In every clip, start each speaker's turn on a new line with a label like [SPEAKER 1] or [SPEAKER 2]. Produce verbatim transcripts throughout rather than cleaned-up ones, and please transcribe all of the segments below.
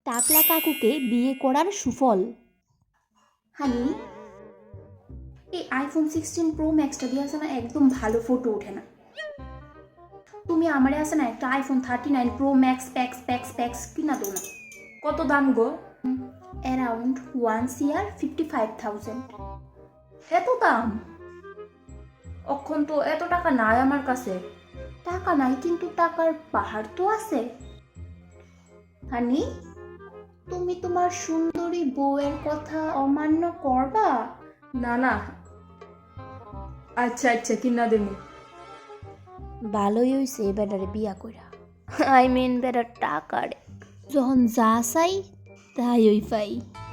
[SPEAKER 1] টাকলা কাকুকে বিয়ে করার সুফল।
[SPEAKER 2] হানি, এই আইফোন সিক্সটিন প্রো ম্যাক্সটা দিয়ে আছে না, একদম ভালো ফটো ওঠে না। তুমি আমারে আছে না একটা iPhone thirty nine pro max প্যাক্স প্যাক্স প্যাক্স কিনা দো না।
[SPEAKER 3] কত দাম গো?
[SPEAKER 2] অ্যারাউন্ড ওয়ান সিয়ার ফিফটি ফাইভ থাউজেন্ড।
[SPEAKER 3] এত দাম? অক্ষণ তো এত টাকা নাই আমার কাছে।
[SPEAKER 2] টাকা নাই কিন্তু টাকার পাহাড় তো আছে। হানি, তুমি তোমার সুন্দরী বউয়ের কথা অমান্য করবা?
[SPEAKER 3] না না, আচ্ছা আচ্ছা কিনা দেবো।
[SPEAKER 1] ভালোই হইছে বেটারে বিয়া কইরা। আই মিন বেটার টাকারে যখন যা চাই তাই ওই পাই।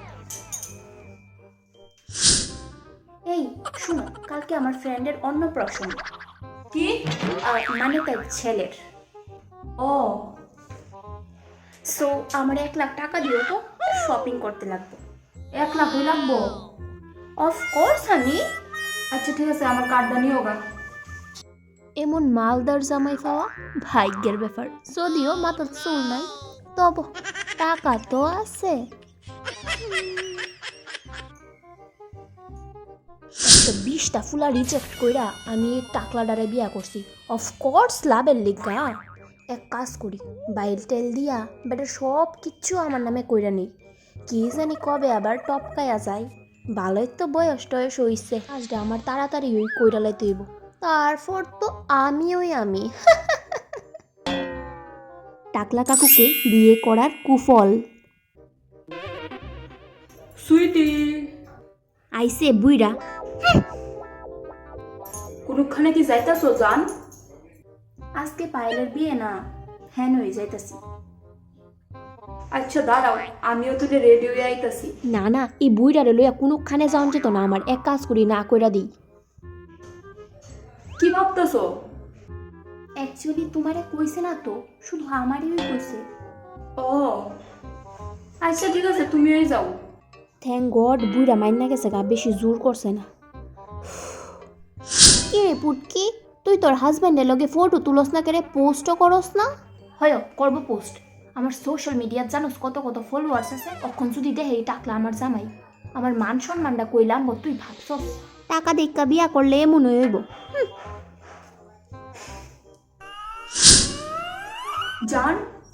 [SPEAKER 2] এই শুনো, কালকে আমার ফ্রেন্ডের অন্নপ্রাশন।
[SPEAKER 3] কি?
[SPEAKER 2] আহ, মানে তার ছেলের।
[SPEAKER 3] ও
[SPEAKER 2] সো আমার এক লাখ টাকা দিও তো, শপিং করতে লাগবে।
[SPEAKER 3] এক লাখ হই লাগবো?
[SPEAKER 2] Of course honey.
[SPEAKER 3] আচ্ছা ঠিক আছে, আমার কার্ডটা নিও গা।
[SPEAKER 1] এমন মালদার জামাই পাওয়া ভাগ্যের ব্যাপার। যদিও মাথার চুল নাই, তবু টাকা তো আছে। একশো বিশটা ফুলা রিজেক্ট কইরা আমি এই টাকলাডারে বিয়া করছি। অফকোর্স লাভের লিগা। এক কাজ করি, বাইল টেল দিয়া বেটা সব কিচ্ছু আমার নামে কইরা নেই। কি জানি কবে আবার টপকায়া যায়। ভালোই তো বয়স টয়স হইছে, কাজটা আমার তাড়াতাড়ি ওই কইরা লাইতে হইব। তারপর তো আমি ওই আমি। টাকলা কাকুকে বিয়ে করার কুফল।
[SPEAKER 3] সুইটি,
[SPEAKER 1] আইসে বুইরা।
[SPEAKER 3] কোনখানে কি যাইতাছো জান?
[SPEAKER 2] আজকে পায়েলের বিয়ে না, হ্যান হয়ে যাইতাছি।
[SPEAKER 3] আচ্ছা দাঁড়াও, আমিও তোদের রেডি হয়ে আইতাছি।
[SPEAKER 1] না না, এই বুইরারে লইয়া কোনোখানে যাওয়া যেত না আমার। এক কাজ করি, না কইরা দিই।
[SPEAKER 3] কি ভাবতেছো?
[SPEAKER 2] অ্যাকচুয়ালি তোমারে কইছে না তো, শুধু আমারই কইছে।
[SPEAKER 3] ও আচ্ছা ঠিক আছে, তুমিই যাও।
[SPEAKER 1] থ্যাংক গড বুইরা মাইন্না গেছে গা, বেশি জোর করছে না। কি রে পুটকি, তুই তোর হাজব্যান্ডের লগে ফটো তুলস না, কেরে পোস্টও করস না?
[SPEAKER 2] হয় করবো পোস্ট। আমার সোশ্যাল মিডিয়াত জানোস কত কত ফলোয়ার্স আছে। অখন যদি দেখে টাকলা আমার জামাই, আমার মান সম্মানটা কইলাম গো, তুই ভাবছস?
[SPEAKER 1] টাকা দেখা বিয়া করলে এমন হইব।
[SPEAKER 3] জান,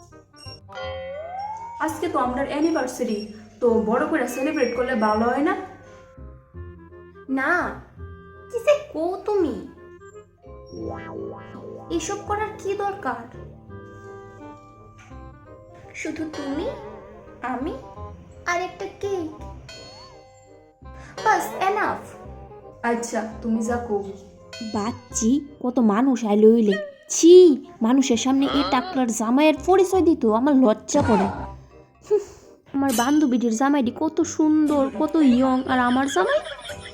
[SPEAKER 3] আজকে তো আমার অ্যানিভার্সারি, তো বড় করে সেলিব্রেট করলে ভালো হয় না?
[SPEAKER 2] না, কি যে কও তুমি, এসব করার কি দরকার? শুধু তুমি, আমি আর একটা কেক, বাস এনাফ।
[SPEAKER 3] আচ্ছা তুমি যা কও।
[SPEAKER 1] বাচ্চি কত মানুষ আইলে হইলে, ছি, মানুষের সামনে এই টাকলার জামাইয়ের পরিচয় দিত আমার লজ্জা করে। হুঁ, আমার বান্ধবীটির জামাইটি কত সুন্দর, কত ইয়ং, আর আমার জামাই